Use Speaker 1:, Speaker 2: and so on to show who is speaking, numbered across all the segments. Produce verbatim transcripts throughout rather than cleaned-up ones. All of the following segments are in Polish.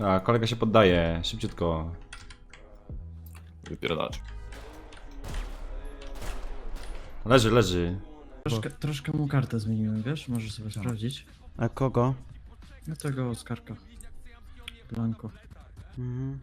Speaker 1: A, kolega się poddaje, szybciutko.
Speaker 2: Wypierdalać.
Speaker 1: Leży, leży.
Speaker 3: Troszkę, troszkę mu kartę zmieniłem, wiesz? Możesz sobie sprawdzić.
Speaker 4: A kogo?
Speaker 3: No tego Oskarka. Blanko.
Speaker 4: Mhm.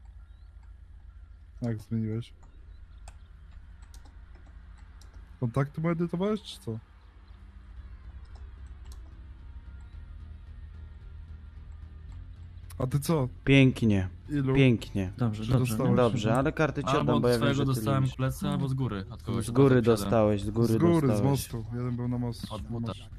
Speaker 5: Jak zmieniłeś? Kontakty mu edytowałeś, czy co? A ty co?
Speaker 4: Pięknie,
Speaker 5: Ilu?
Speaker 4: pięknie.
Speaker 3: Dobrze,
Speaker 5: Czy
Speaker 3: dobrze.
Speaker 5: dostałeś?
Speaker 3: No.
Speaker 4: Dobrze, ale karty ci
Speaker 6: Albo
Speaker 4: oddam, bo
Speaker 6: od
Speaker 4: ja wiem,
Speaker 6: swojego
Speaker 4: że ty
Speaker 6: dostałem
Speaker 4: lubisz.
Speaker 6: plecy, albo z góry. Od kogoś
Speaker 4: Z góry
Speaker 6: od was
Speaker 4: dostałeś, z góry
Speaker 5: Z góry, z
Speaker 4: dostałeś.
Speaker 5: mostu. Jeden był na mostu.
Speaker 6: Od
Speaker 5: na
Speaker 6: buta.
Speaker 5: moście.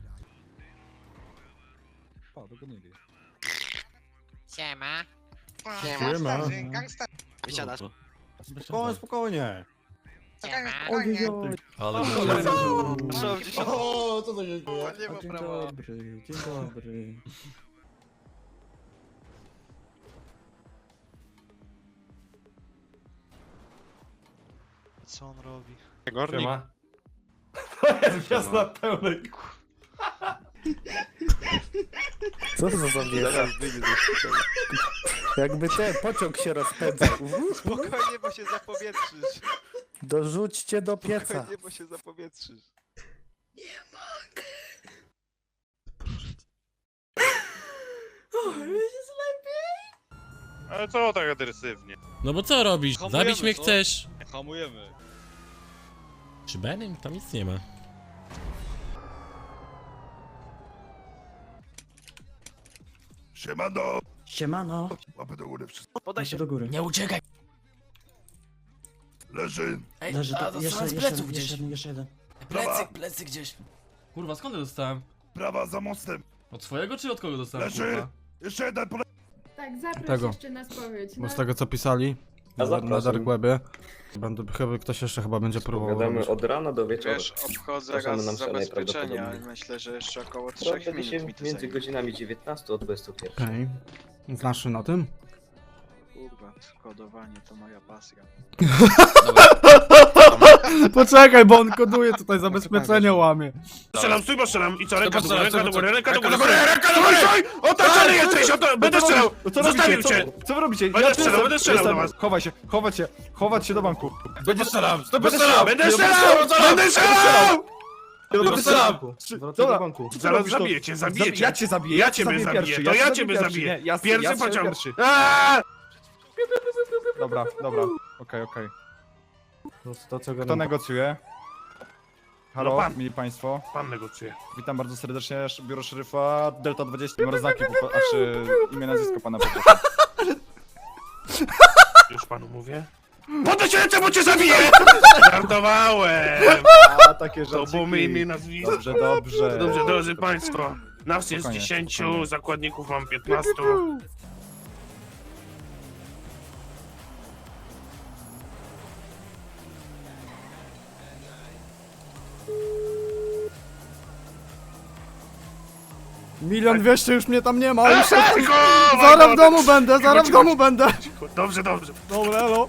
Speaker 5: Pa, dogonili.
Speaker 7: Siema.
Speaker 5: Siema.
Speaker 7: Wysiadasz.
Speaker 2: Spokojnie, spokojnie.
Speaker 7: Siema.
Speaker 6: Ale
Speaker 2: O, co to się dzieje?
Speaker 7: Nie ma
Speaker 3: Dzień
Speaker 7: prawa.
Speaker 3: dobry, dzień dobry.
Speaker 7: Co on robi?
Speaker 2: Siema. To jest gwiazd na pełnej.
Speaker 8: Co to za zawiera? Jakby ten pociąg się rozpędzał.
Speaker 7: Spokojnie, bo się zapowietrzysz.
Speaker 8: Dorzućcie do pieca.
Speaker 7: Spokojnie, bo się zapowietrzysz.
Speaker 9: Ale co tak agresywnie?
Speaker 10: No bo co robisz?
Speaker 9: Hamujemy,
Speaker 10: Zabić mnie
Speaker 9: co?
Speaker 10: chcesz?
Speaker 9: Hamujemy.
Speaker 10: Przy Benym? Tam nic nie ma.
Speaker 5: Siemano!
Speaker 3: Siemano.
Speaker 5: Łapy do góry, wszystko.
Speaker 3: Podaj się do góry.
Speaker 10: Nie uciekaj!
Speaker 5: Leży!
Speaker 3: Leży to, jeszcze, jeszcze, jeden, jeszcze jeden, jeszcze jeden.
Speaker 5: Plecy,
Speaker 10: plecy gdzieś.
Speaker 6: Kurwa, skąd ja dostałem?
Speaker 5: Prawa za mostem!
Speaker 6: Od swojego czy od kogo dostałem?
Speaker 5: Leży!
Speaker 6: Kurwa?
Speaker 5: Jeszcze jeden, pole...
Speaker 11: Tak, zaproś
Speaker 12: Tego.
Speaker 11: jeszcze na spowiedź.
Speaker 12: Bo
Speaker 11: No.
Speaker 12: z tego co pisali na, na Dark Webie, będę, chyba ktoś jeszcze chyba będzie próbował robić.
Speaker 8: od rana do wieczora.
Speaker 7: Wiesz, obchodzę
Speaker 8: Przepraszamy,
Speaker 7: raz
Speaker 8: nam szalej
Speaker 7: zabezpieczenia,
Speaker 8: prawdopodobnie.
Speaker 7: myślę, że jeszcze około trzech minut mi to
Speaker 8: między
Speaker 7: zajmie.
Speaker 8: godzinami dziewiętnastą od dwudziestu pierwszej.
Speaker 12: Okej. Okay. Znasz na tym?
Speaker 7: Kurwa, kodowanie to moja pasja.
Speaker 12: Poczekaj, bo on koduje tutaj, zabezpieczenia łamie.
Speaker 9: Strzelam, stój, bo strzelam i co? Ręka do góry,
Speaker 6: strzelam,
Speaker 9: ręka do
Speaker 6: co-
Speaker 9: góry, ręka do
Speaker 6: ręka
Speaker 9: góry,
Speaker 6: do góry,
Speaker 9: ręka do góry! Otoczony jesteś, oto... Będę strzelał!
Speaker 5: Co
Speaker 9: Zostawił
Speaker 5: robicie?
Speaker 9: cię!
Speaker 5: Co, co wy robicie?
Speaker 9: Będę
Speaker 5: tu
Speaker 9: strzelał,
Speaker 5: jestem,
Speaker 9: będę strzelał
Speaker 5: jestem.
Speaker 9: do was.
Speaker 5: Chowaj się, chować się, chować się do banku.
Speaker 9: Będę strzelał!
Speaker 5: Będę
Speaker 9: strzelał! Będę
Speaker 5: strzelał!
Speaker 9: strzelał! Będę strzelał!
Speaker 5: Będę strzelał! Dobra, co
Speaker 9: Zaraz
Speaker 5: robisz, to-
Speaker 9: zabiję cię, zabiję
Speaker 5: Zabi-
Speaker 9: cię.
Speaker 5: Ja cię zabiję,
Speaker 9: Ja
Speaker 5: cię
Speaker 9: ciebie zabiję,
Speaker 5: pierwszy,
Speaker 9: to ja
Speaker 5: cię
Speaker 9: ciebie
Speaker 5: pierwszy,
Speaker 9: zabiję.
Speaker 5: nie, ja-
Speaker 9: Pierwszy
Speaker 5: ja strzelam
Speaker 9: pociąg.
Speaker 5: pierwszy.
Speaker 9: Aaaa!
Speaker 5: Dobra, dobra, okej, okej.
Speaker 8: To co
Speaker 5: Kto negocjuje? Halo,
Speaker 9: No pan.
Speaker 5: mili państwo.
Speaker 9: Pan negocjuje.
Speaker 5: Witam bardzo serdecznie, biuro szeryfa Delta dwadzieścia, numer znaki, po- a czy imię, nazwisko pana poproszę.
Speaker 9: Już panu mówię. Podaj się ręce, bo cię zabiję! Żartowałem!
Speaker 5: A, takie
Speaker 9: To
Speaker 5: żarciki.
Speaker 9: było my imię i nazwisko.
Speaker 5: Dobrze, dobrze.
Speaker 9: Dobrze, drodzy państwo. Nas jest
Speaker 5: Spokojnie,
Speaker 9: dziesięciu,
Speaker 5: spokojnie.
Speaker 9: zakładników mam piętnastu.
Speaker 12: Milion dwieście już mnie tam nie ma, już
Speaker 9: Cicho!
Speaker 12: zaraz w domu będę, zaraz w
Speaker 9: Cicho,
Speaker 12: domu będę.
Speaker 9: Dobrze, dobrze.
Speaker 12: Dobra, no.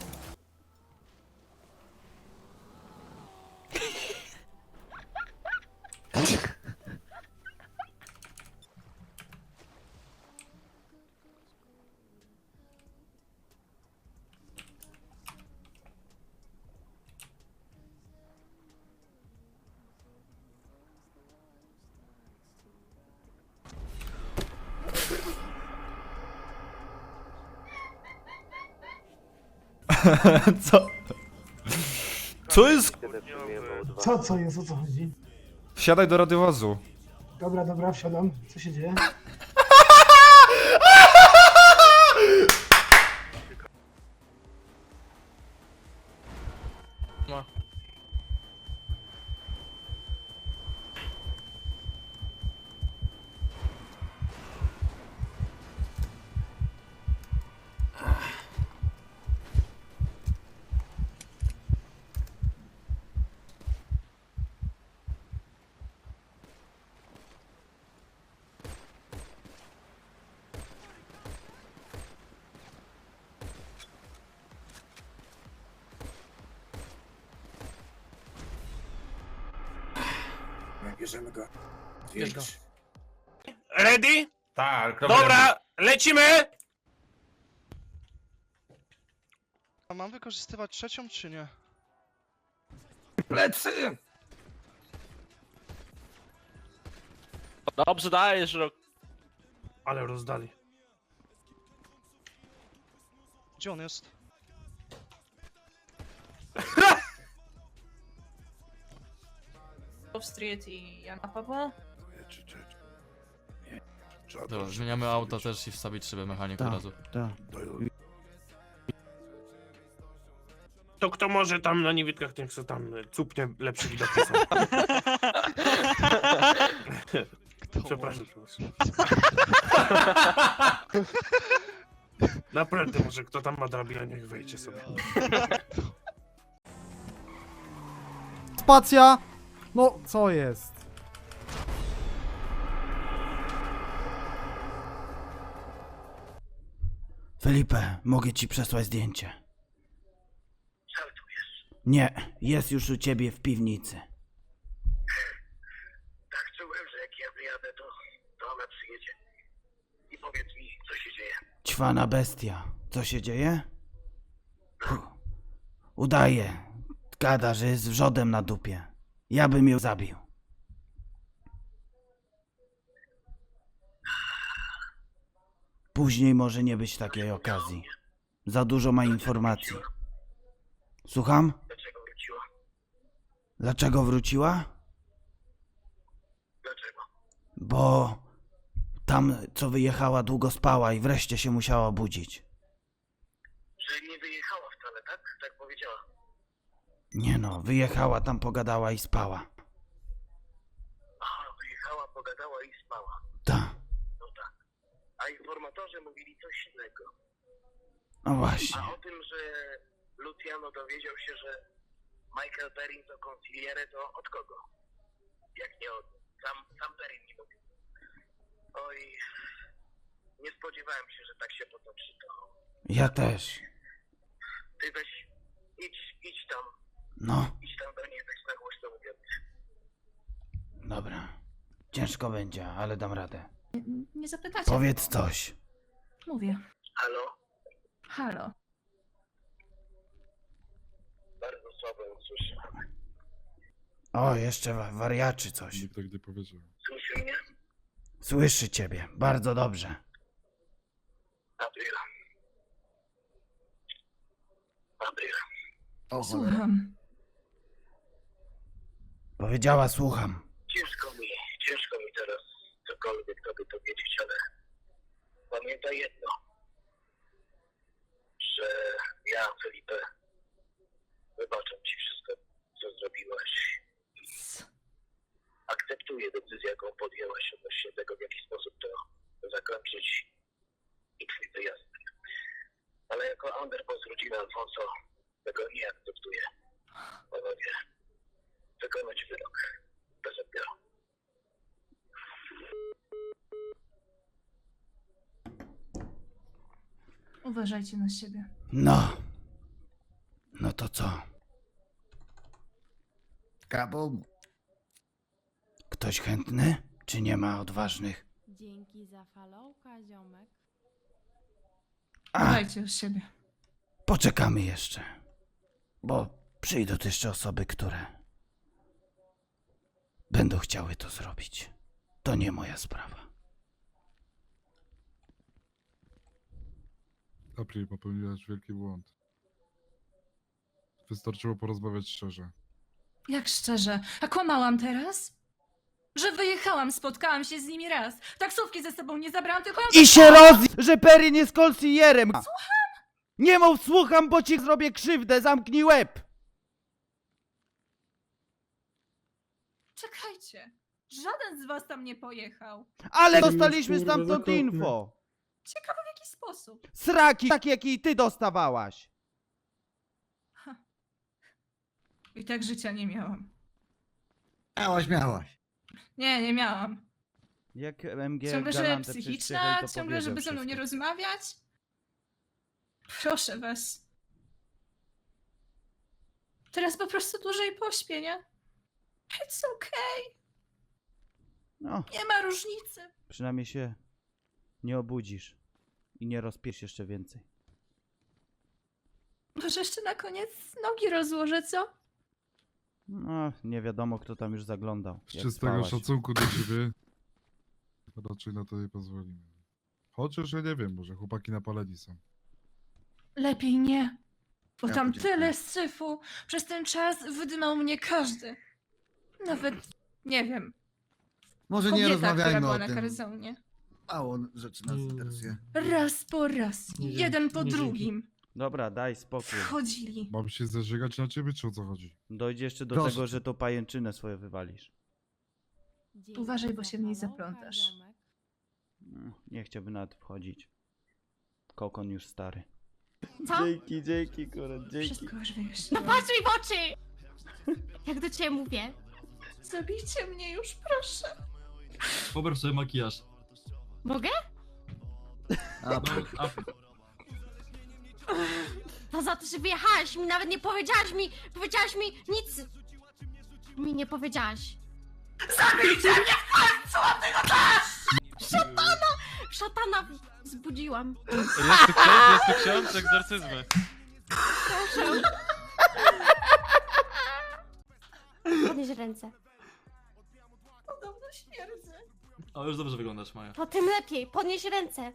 Speaker 12: Co? Co jest?
Speaker 11: Co, co jest, o co chodzi?
Speaker 5: Wsiadaj do radiowozu.
Speaker 11: Dobra, dobra, wsiadam. Co się dzieje?
Speaker 8: Bierzemy go.
Speaker 11: Bierz go.
Speaker 9: Ready?
Speaker 2: Tak,
Speaker 9: Dobra, lecimy!
Speaker 7: mam wykorzystywać trzecią, czy nie?
Speaker 2: Plecy!
Speaker 8: Dobrze dajesz, Rok.
Speaker 9: Ale rozdali.
Speaker 7: Gdzie on jest?
Speaker 11: Street i Jana Pawła.
Speaker 6: Dobra, zmieniamy auto też i wstawić szybę mechanik od
Speaker 4: Tak,
Speaker 6: razu.
Speaker 4: tak.
Speaker 9: To kto może tam na niewidkach, niech se tam cupnie lepszy widoki są. Przepraszam. przepraszam. Naprawdę, może kto tam ma drabinę, niech wejdzie sobie.
Speaker 12: Spacja! No, co jest?
Speaker 4: Felipe, mogę ci przesłać zdjęcie. Nie, jest już u ciebie w piwnicy.
Speaker 9: Tak czułem, że jak ja wyjadę, to, to ona przyjedzie. I powiedz mi, co się dzieje.
Speaker 4: Ćwana bestia. Co się dzieje? Puh. Udaje. Gada, że jest wrzodem na dupie. Ja bym ją zabił. Później może nie być takiej okazji. Za dużo ma informacji. Słucham?
Speaker 9: Dlaczego wróciła?
Speaker 4: Dlaczego wróciła?
Speaker 9: Dlaczego?
Speaker 4: Bo tam, co wyjechała, długo spała i wreszcie się musiała budzić.
Speaker 9: Że nie wyjechała wcale, tak? Tak powiedziała.
Speaker 4: Nie no, wyjechała, tam pogadała i spała.
Speaker 9: Aha, wyjechała, pogadała i spała.
Speaker 4: Ta.
Speaker 9: No tak. A informatorzy mówili coś innego.
Speaker 4: No właśnie.
Speaker 9: A o tym, że Luciano dowiedział się, że Michael Perrin to consigliere, to od kogo? Jak nie od... Sam, sam Perrin mi mówił. Oj... Nie spodziewałem się, że tak się potoczy to.
Speaker 4: Ja też.
Speaker 9: Ty weź... Idź, idź tam.
Speaker 4: No,
Speaker 9: Idź tam do niej, weź na głośno mówiąc.
Speaker 4: dobra. Ciężko będzie, ale dam radę.
Speaker 11: Nie zapytacie.
Speaker 4: Powiedz coś.
Speaker 11: Mówię.
Speaker 9: Halo?
Speaker 11: Halo.
Speaker 9: Bardzo słabo ją słyszę.
Speaker 4: O, jeszcze wa- wariaczy coś.
Speaker 12: tak nie powiedział.
Speaker 9: Słyszy mnie?
Speaker 4: Słyszy ciebie, bardzo dobrze.
Speaker 9: Adrian. Adrian.
Speaker 11: Słucham.
Speaker 4: Powiedziała, słucham.
Speaker 9: Ciężko mi, ciężko mi teraz cokolwiek tobie powiedzieć, ale pamiętaj jedno, że ja, Felipe, wybaczam ci wszystko, co zrobiłaś. Akceptuję decyzję, jaką podjęłaś odnośnie tego, w jaki sposób to zakończyć i twój wyjazd. Ale jako underboss rodziny Alfonso tego nie akceptuję. Panowie, wykonać wyrok bez odbioru.
Speaker 11: Uważajcie na siebie.
Speaker 4: No. No to co?
Speaker 3: Kabum.
Speaker 4: Ktoś chętny? Czy nie ma odważnych?
Speaker 13: Dzięki za followka, ziomek.
Speaker 4: A,
Speaker 11: Uważajcie o siebie.
Speaker 4: poczekamy jeszcze. Bo przyjdą tu jeszcze osoby, które będą chciały to zrobić. To nie moja sprawa.
Speaker 12: April, popełniłaś wielki błąd. Wystarczyło porozmawiać szczerze.
Speaker 11: Jak szczerze? A kłamałam teraz? Że wyjechałam, spotkałam się z nimi raz. Taksówki ze sobą nie zabrałam, tylko...
Speaker 4: I się roz... że Perrin jest kolsierem. Słucham? Nie mów słucham, bo ci zrobię krzywdę, zamknij łeb.
Speaker 11: Czekajcie. Żaden z was tam nie pojechał.
Speaker 4: Ale dostaliśmy stamtąd info.
Speaker 11: Ciekawe w jaki sposób.
Speaker 4: Sraki, takie jakie i ty dostawałaś.
Speaker 11: I tak życia nie miałam.
Speaker 3: Miałaś, miałaś.
Speaker 11: Nie, nie miałam.
Speaker 4: Jak M G
Speaker 11: Ciągle, że
Speaker 4: Galante
Speaker 11: psychiczna,
Speaker 4: przyjechał, to
Speaker 11: ciągle, żeby
Speaker 4: powiedział
Speaker 11: ze mną nie
Speaker 4: wszystko.
Speaker 11: rozmawiać. Proszę was. Teraz po prostu dłużej pośpię, nie? It's okay.
Speaker 4: No,
Speaker 11: Nie ma różnicy.
Speaker 4: przynajmniej się nie obudzisz i nie rozpiesz jeszcze więcej.
Speaker 11: Może jeszcze na koniec nogi rozłożę, co?
Speaker 4: No, nie wiadomo kto tam już zaglądał.
Speaker 12: Z
Speaker 4: jak
Speaker 12: czystego
Speaker 4: spałaś.
Speaker 12: szacunku do ciebie raczej na to nie pozwolimy. Chociaż ja nie wiem, może chłopaki napaleni są.
Speaker 11: Lepiej nie. Bo
Speaker 8: Ja
Speaker 11: tam
Speaker 8: podziękuję.
Speaker 11: tyle syfu. Przez ten czas wydymał mnie każdy. Nawet, nie wiem,
Speaker 8: Może
Speaker 11: kobieta, która była na karzonie.
Speaker 8: Mało rzeczy nas interesuje.
Speaker 11: Raz po raz, jeden po drugim.
Speaker 4: Dobra, daj spokój.
Speaker 11: Wchodzili.
Speaker 12: Mam się zażygać na ciebie, czy o co chodzi?
Speaker 4: Dojdzie jeszcze do
Speaker 8: Proszę
Speaker 4: tego,
Speaker 8: cię.
Speaker 4: że to pajęczynę swoje wywalisz.
Speaker 11: Uważaj, bo się w niej zaplątasz.
Speaker 4: Mm, Nie chciałbym nawet wchodzić. Kokon już stary.
Speaker 13: Co?
Speaker 4: Dzięki, dzięki, kurwa, dzięki.
Speaker 11: Wszystko już
Speaker 13: No
Speaker 11: wyjaśniłam.
Speaker 13: patrz mi w oczy! Jak do ciebie mówię.
Speaker 11: Zabijcie mnie już, proszę.
Speaker 2: Pobrał sobie makijaż.
Speaker 13: Mogę?
Speaker 2: A, a,
Speaker 13: To za to, że wyjechałaś mi, nawet nie powiedziałaś mi, powiedziałaś mi nic. Mi nie powiedziałaś. Zabijcie mnie w końcu, a ty go dasz! Szatana! Szatana zbudziłam.
Speaker 6: Jest tu ksiądz, jest tu ksiądz, egzorcyzmy.
Speaker 13: Proszę. Podnieś ręce.
Speaker 11: Podobno śmierdzę.
Speaker 2: o, już dobrze wyglądasz, Maja.
Speaker 13: To tym lepiej. Podnieś ręce.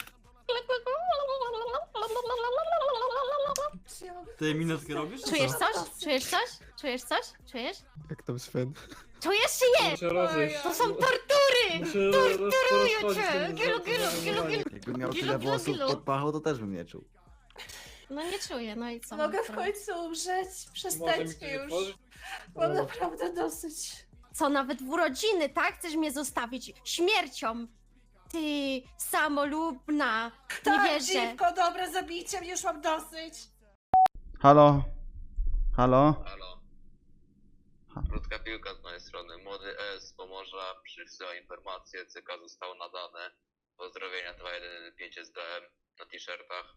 Speaker 11: Czy ja mogę
Speaker 2: Ty minetkę robisz?
Speaker 13: Czujesz coś? Czujesz coś? Czujesz coś? Czujesz?
Speaker 12: Jak tam Sven?
Speaker 13: Czujesz czy nie? To są tortury! Torturuję cię! Gilu, gilu, gilu, gilu.
Speaker 8: Jakbym miał
Speaker 13: Gilu,
Speaker 8: tyle
Speaker 13: gilu,
Speaker 8: włosów
Speaker 13: gilu.
Speaker 8: pod pachą, to też bym nie czuł.
Speaker 13: No nie czuję, no i co?
Speaker 11: Mogę w końcu umrzeć? Przestańcie już. Mam naprawdę dosyć.
Speaker 13: Co, nawet w urodziny, tak? Chcesz mnie zostawić śmiercią? Ty, samolubna! Nie wierzę.
Speaker 11: dziwko, dobra, zabijcie mnie, już mam dosyć.
Speaker 4: Halo? Halo?
Speaker 9: Halo. Krótka piłka z mojej strony. Młody S z Pomorza przysyła informację, C K zostało nadane. Pozdrowienia dwa jeden pięć S D M na t-shirtach.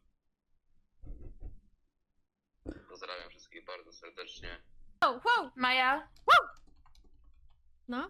Speaker 9: Pozdrawiam wszystkich bardzo serdecznie.
Speaker 13: Wow, wow!
Speaker 11: Maja,
Speaker 13: No?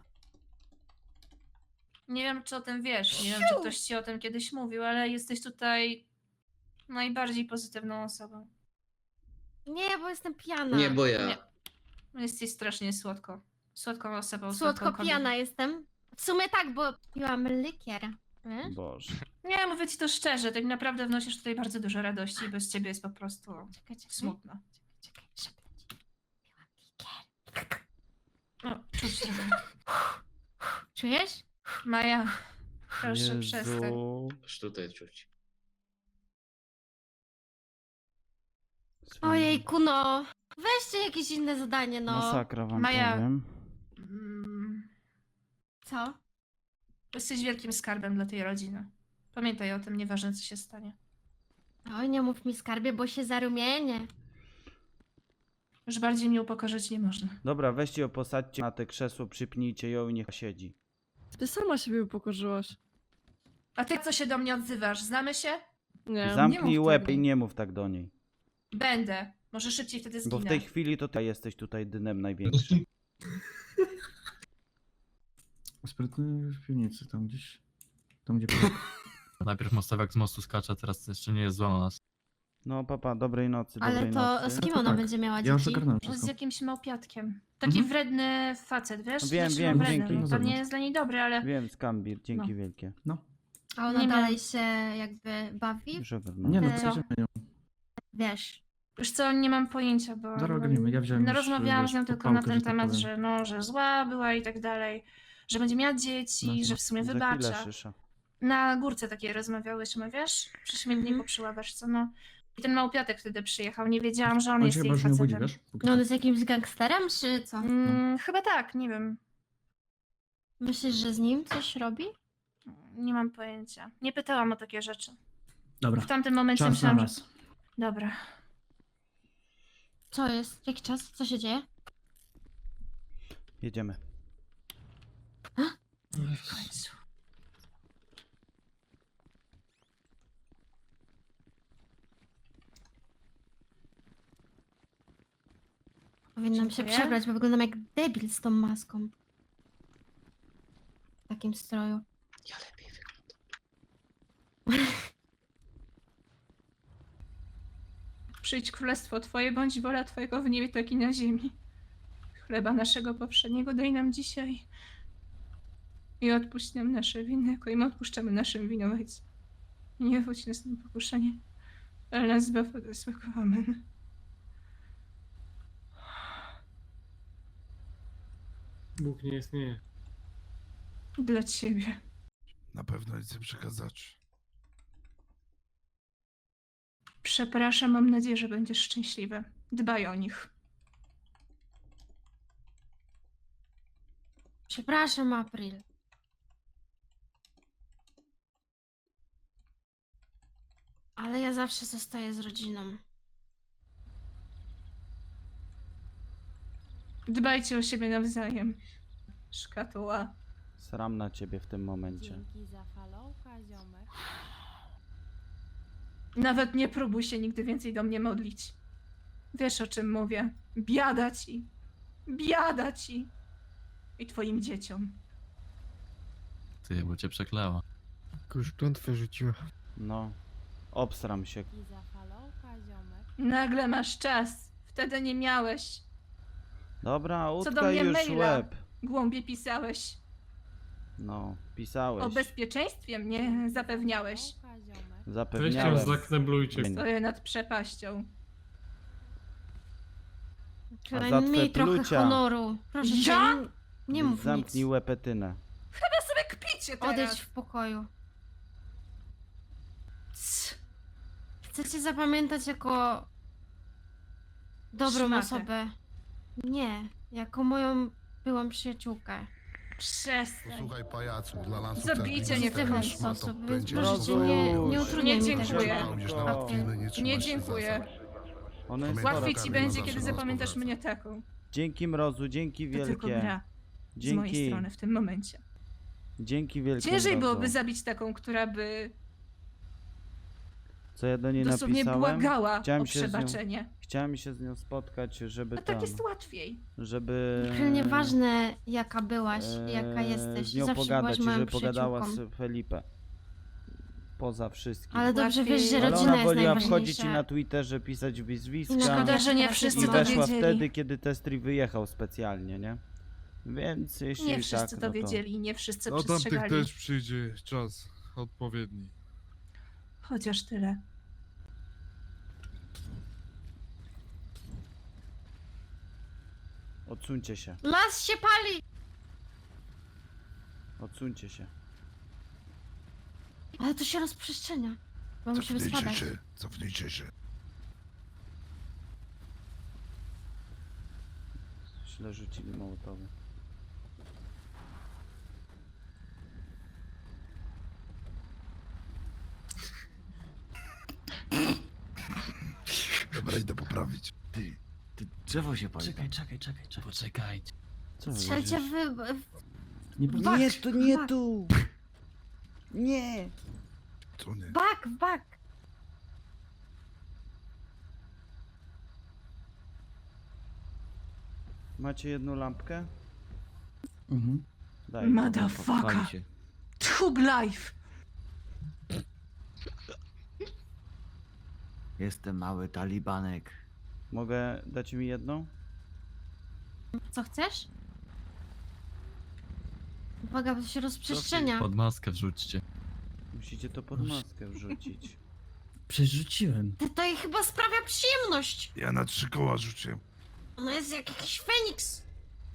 Speaker 11: nie wiem, czy o tym wiesz. Nie wiem, czy ktoś ci o tym kiedyś mówił, ale jesteś tutaj najbardziej pozytywną osobą.
Speaker 13: Nie, bo jestem pijana.
Speaker 9: Nie, bo ja.
Speaker 11: Nie. Jesteś strasznie słodko. Słodką osobą.
Speaker 13: Słodko
Speaker 11: słodką
Speaker 13: pijana
Speaker 11: kobietą.
Speaker 13: jestem. W sumie tak, bo piłam likier. Wiesz?
Speaker 4: Boże.
Speaker 11: Nie, mówię ci to szczerze, tak naprawdę wnosisz tutaj bardzo dużo radości i bez ciebie jest po prostu
Speaker 13: Czekaj, czekaj.
Speaker 11: smutno.
Speaker 13: Czekaj, szepnę ci. Piłam likier.
Speaker 11: O, czuć trochę.
Speaker 13: Czujesz?
Speaker 11: Maja, proszę przestań.
Speaker 4: Jezu.
Speaker 9: Aż tutaj czuć.
Speaker 13: Ojejku, no. Weźcie jakieś inne zadanie, no.
Speaker 4: Masakra wam
Speaker 11: Maja.
Speaker 4: powiem.
Speaker 11: Mm,
Speaker 13: Co?
Speaker 11: Jesteś wielkim skarbem dla tej rodziny. Pamiętaj o tym, nieważne co się stanie.
Speaker 13: Oj, nie mów mi skarbie, bo się zarumienię.
Speaker 11: Już bardziej mnie upokorzyć nie można.
Speaker 4: Dobra, weźcie ją, posadźcie na te krzesło, przypnijcie ją i niech siedzi.
Speaker 3: Ty sama siebie upokorzyłaś.
Speaker 11: A ty co się do mnie odzywasz? Znamy się?
Speaker 3: Nie.
Speaker 4: Zamknij
Speaker 11: mów
Speaker 4: łeb
Speaker 11: tego.
Speaker 4: i nie mów tak do niej.
Speaker 11: Będę. Może szybciej wtedy zginę.
Speaker 4: Bo w tej chwili to ty jesteś tutaj dynem największym.
Speaker 3: Sprytny w piwnicy, tam gdzieś. Tam gdzie.
Speaker 6: Najpierw mostowiak z mostu skacze, teraz jeszcze nie jest zła na nas.
Speaker 4: No papa, dobrej nocy,
Speaker 13: Ale
Speaker 4: dobrej
Speaker 13: to
Speaker 4: nocy.
Speaker 13: z kim
Speaker 3: To
Speaker 13: ona
Speaker 3: tak.
Speaker 13: będzie miała
Speaker 3: Ja już
Speaker 13: dzieci?
Speaker 3: ogarnąłem
Speaker 11: Z
Speaker 3: wszystko.
Speaker 11: jakimś małpiatkiem. Taki
Speaker 3: Mhm.
Speaker 11: wredny facet, wiesz?
Speaker 4: Wiem,
Speaker 11: Znaczy,
Speaker 4: wiem,
Speaker 11: no, wredny.
Speaker 4: dzięki.
Speaker 11: To
Speaker 3: Zewnątrz.
Speaker 11: nie jest dla niej dobre, ale
Speaker 4: Wiem, Skambir, dzięki
Speaker 11: No.
Speaker 4: wielkie.
Speaker 13: A ona
Speaker 11: Nie
Speaker 13: dalej
Speaker 11: miałam.
Speaker 13: się jakby bawi?
Speaker 4: Już ogarnąłem.
Speaker 3: Nie no,
Speaker 13: E,
Speaker 3: przejdziemy ją.
Speaker 13: Wiesz.
Speaker 11: już co, nie mam pojęcia, bo...
Speaker 3: Zaraz ogarniemy, ja wziąłem
Speaker 11: No
Speaker 3: już,
Speaker 11: rozmawiałam
Speaker 3: wiesz,
Speaker 11: z nią
Speaker 3: pod
Speaker 11: tylko na
Speaker 3: pałkę,
Speaker 11: ten
Speaker 3: że tak
Speaker 11: temat,
Speaker 3: powiem.
Speaker 11: że no, że zła była i tak dalej. Że będzie miała dzieci,
Speaker 3: No to
Speaker 11: że w sumie
Speaker 4: Za chwilę
Speaker 11: wybacza.
Speaker 4: szysza.
Speaker 11: Na górce takiej rozmawiałyśmy, wiesz? Przy śmietniku przy ławeczce, no. I ten małpiatek wtedy przyjechał, nie wiedziałam, że on
Speaker 3: On
Speaker 11: jest
Speaker 3: się
Speaker 11: jej
Speaker 3: chyba już nie obudzi,
Speaker 11: facetem.
Speaker 3: wiesz? Póki
Speaker 13: No
Speaker 3: co.
Speaker 13: on jest jakimś gangsterem, czy co?
Speaker 11: Mm, chyba tak, nie wiem.
Speaker 13: Myślisz, że z nim coś robi?
Speaker 11: Nie mam pojęcia. Nie pytałam o takie rzeczy.
Speaker 3: Dobra,
Speaker 11: W tamtym momencie
Speaker 3: czas na
Speaker 11: myślałam, że...
Speaker 3: was.
Speaker 11: Dobra.
Speaker 13: Co jest? Jaki czas? Co się dzieje?
Speaker 4: Jedziemy.
Speaker 11: W końcu.
Speaker 13: Powinnam się
Speaker 11: Dziękuję.
Speaker 13: przebrać, bo wyglądam jak debil z tą maską. W takim stroju.
Speaker 9: Ja lepiej wyglądam.
Speaker 11: Przyjdź królestwo Twoje, bądź wola Twojego w niebie, tak i na ziemi. Chleba naszego poprzedniego daj nam dzisiaj. I odpuść nam nasze winy, jako i my odpuszczamy naszym winowajcom. I nie wódź nas na pokuszenie, ale nas zbaw od złego. Amen.
Speaker 2: Bóg nie istnieje.
Speaker 11: Dla Ciebie.
Speaker 12: Na pewno nic nie przekazać.
Speaker 11: Przepraszam, mam nadzieję, że będziesz szczęśliwy. Dbaj o nich.
Speaker 13: Przepraszam, April. Ale ja zawsze zostaję z rodziną.
Speaker 11: Dbajcie o siebie nawzajem. Szkatuła.
Speaker 4: Sram na ciebie w tym momencie.
Speaker 13: Dzięki za followka, ziomek.
Speaker 11: Nawet nie próbuj się nigdy więcej do mnie modlić. Wiesz, o czym mówię. Biada ci. Biada ci. I twoim dzieciom.
Speaker 6: Ty, bo cię przeklała.
Speaker 2: Jakąś klątwę rzuciła.
Speaker 4: No. Obsram się.
Speaker 13: Dzięki za followka, ziomek.
Speaker 11: Nagle masz czas. Wtedy nie miałeś.
Speaker 4: Dobra,
Speaker 11: Co do
Speaker 4: utkaj
Speaker 11: mnie
Speaker 4: już
Speaker 11: maila.
Speaker 4: łeb.
Speaker 11: Głąbie pisałeś.
Speaker 4: No, pisałeś.
Speaker 11: O bezpieczeństwie mnie zapewniałeś.
Speaker 13: Followka, ziomek.
Speaker 4: Zapewniałem.
Speaker 2: zakneblujcie.
Speaker 11: Stoję nad przepaścią.
Speaker 13: Ale
Speaker 4: za twe
Speaker 13: miej trochę
Speaker 4: plucia.
Speaker 13: honoru. Proszę cię,
Speaker 11: Ja?
Speaker 13: nie, nie mów
Speaker 4: Zamknij
Speaker 13: nic.
Speaker 4: łepetynę.
Speaker 11: Chyba sobie kpicie teraz.
Speaker 13: Odejdź w pokoju.
Speaker 11: Cs.
Speaker 13: Chcę cię zapamiętać jako dobrą
Speaker 11: Szmatę.
Speaker 13: osobę. Nie, jako moją byłą przyjaciółkę.
Speaker 11: Przestań.
Speaker 12: Posłuchaj pajacu, dla lansu
Speaker 11: Zabijcie mnie w
Speaker 13: W ten sposób, więc proszę cię, nie, nie utrudniaj
Speaker 11: Nie
Speaker 13: mi tego.
Speaker 11: dziękuję. Nie dziękuję.
Speaker 4: Ono jest
Speaker 11: Łatwiej
Speaker 4: chore.
Speaker 11: ci będzie, kiedy zapamiętasz mnie taką.
Speaker 4: Dzięki Mrozu, dzięki
Speaker 11: To tylko
Speaker 4: wielkie.
Speaker 11: gra z mojej
Speaker 4: Dzięki.
Speaker 11: strony w tym momencie.
Speaker 4: Dzięki wielkie.
Speaker 11: Ciężej
Speaker 4: Mrozu.
Speaker 11: byłoby zabić taką, która by
Speaker 4: Co ja do niej
Speaker 11: dosłownie
Speaker 4: napisałem?
Speaker 11: błagała
Speaker 4: Chciałem
Speaker 11: o
Speaker 4: się z nią-
Speaker 11: przebaczenie.
Speaker 4: Chciałem się z nią spotkać, żeby
Speaker 11: A
Speaker 4: tam,
Speaker 11: tak jest łatwiej.
Speaker 4: żeby
Speaker 13: April, nieważne jaka byłaś,
Speaker 4: e,
Speaker 13: jaka jesteś,
Speaker 4: z nią
Speaker 13: zawsze
Speaker 4: pogadać
Speaker 13: byłaś
Speaker 4: i
Speaker 13: moją
Speaker 4: żeby pogadała
Speaker 13: przyjaciółką.
Speaker 4: z Felipe. Poza wszystkim.
Speaker 13: Ale dobrze
Speaker 11: Łatwiej.
Speaker 13: wiesz, że
Speaker 4: Ale
Speaker 13: rodzina
Speaker 4: ona
Speaker 13: jest
Speaker 4: woliła
Speaker 13: najważniejsza.
Speaker 4: wchodzić i na Twitterze pisać wyzwiska.
Speaker 11: Szkoda, że nie
Speaker 13: I
Speaker 11: wszyscy
Speaker 4: I
Speaker 11: to
Speaker 4: weszła
Speaker 11: wiedzieli.
Speaker 4: wtedy, kiedy Testri wyjechał specjalnie, nie? Więc jeśli
Speaker 11: Nie
Speaker 4: tak,
Speaker 11: wszyscy
Speaker 4: no
Speaker 11: to wiedzieli, nie wszyscy
Speaker 12: Do tamtych
Speaker 11: przestrzegali.
Speaker 12: też przyjdzie czas odpowiedni.
Speaker 11: Chociaż tyle.
Speaker 4: Odsuńcie się,
Speaker 13: Las się pali!
Speaker 4: odsuńcie się.
Speaker 13: Ale to się rozprzestrzenia. Bo musimy spadać.
Speaker 12: cofnijcie się.
Speaker 4: Źle rzucili mołotowy.
Speaker 12: Dobra, idę poprawić.
Speaker 8: Ty, ty drzewo się pali.
Speaker 3: Czekaj, czekaj, czekaj, czekaj.
Speaker 6: Poczekajcie.
Speaker 4: Co wy
Speaker 13: Strzelcie
Speaker 4: robicie?
Speaker 13: wy... w-
Speaker 3: Nie
Speaker 13: Bak,
Speaker 3: było...
Speaker 4: Nie, tu, nie
Speaker 13: bak,
Speaker 4: tu! Nie!
Speaker 12: Co nie?
Speaker 13: Bak, w bak!
Speaker 4: Macie jedną lampkę?
Speaker 3: Mhm.
Speaker 4: Daj.
Speaker 11: Motherfucker. Tchub life.
Speaker 8: Jestem mały talibanek.
Speaker 4: Mogę dać mi jedną?
Speaker 13: Co chcesz? Uwaga, bo to się rozprzestrzenia.
Speaker 6: Pod maskę wrzućcie.
Speaker 4: Musicie to pod maskę wrzucić.
Speaker 3: Przerzuciłem.
Speaker 13: To, to jej chyba sprawia przyjemność.
Speaker 12: Ja na trzy koła rzuciłem.
Speaker 13: Ona jest jak jakiś Feniks.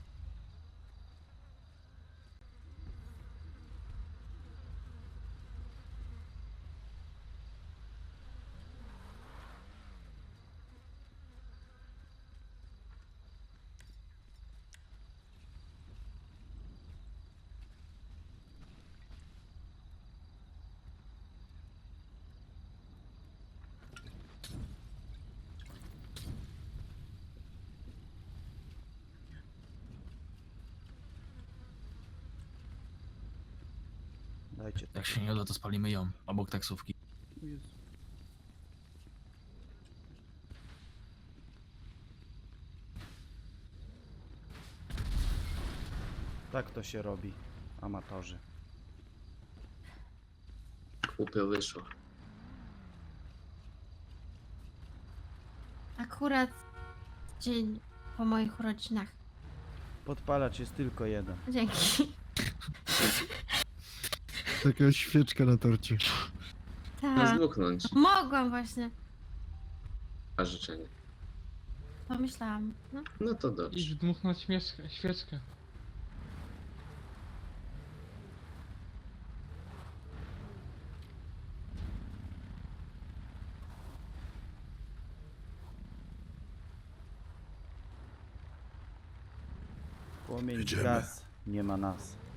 Speaker 4: Dajcie to.
Speaker 6: Jak się nie uda, to spalimy ją, obok taksówki.
Speaker 4: Tak to się robi, amatorzy.
Speaker 9: Głupio wyszło.
Speaker 13: Akurat dzień po moich urodzinach.
Speaker 4: Podpalacz jest tylko jeden.
Speaker 13: Dzięki.
Speaker 12: Taka świeczka na torcie.
Speaker 13: Tak.
Speaker 9: Zdmuchnąć.
Speaker 13: Mogłam właśnie.
Speaker 9: A życzenie.
Speaker 13: Pomyślałam. No.
Speaker 9: No to dobrze.
Speaker 6: dmuchnąć świeczkę.
Speaker 4: Płomień gaz, nie ma nas.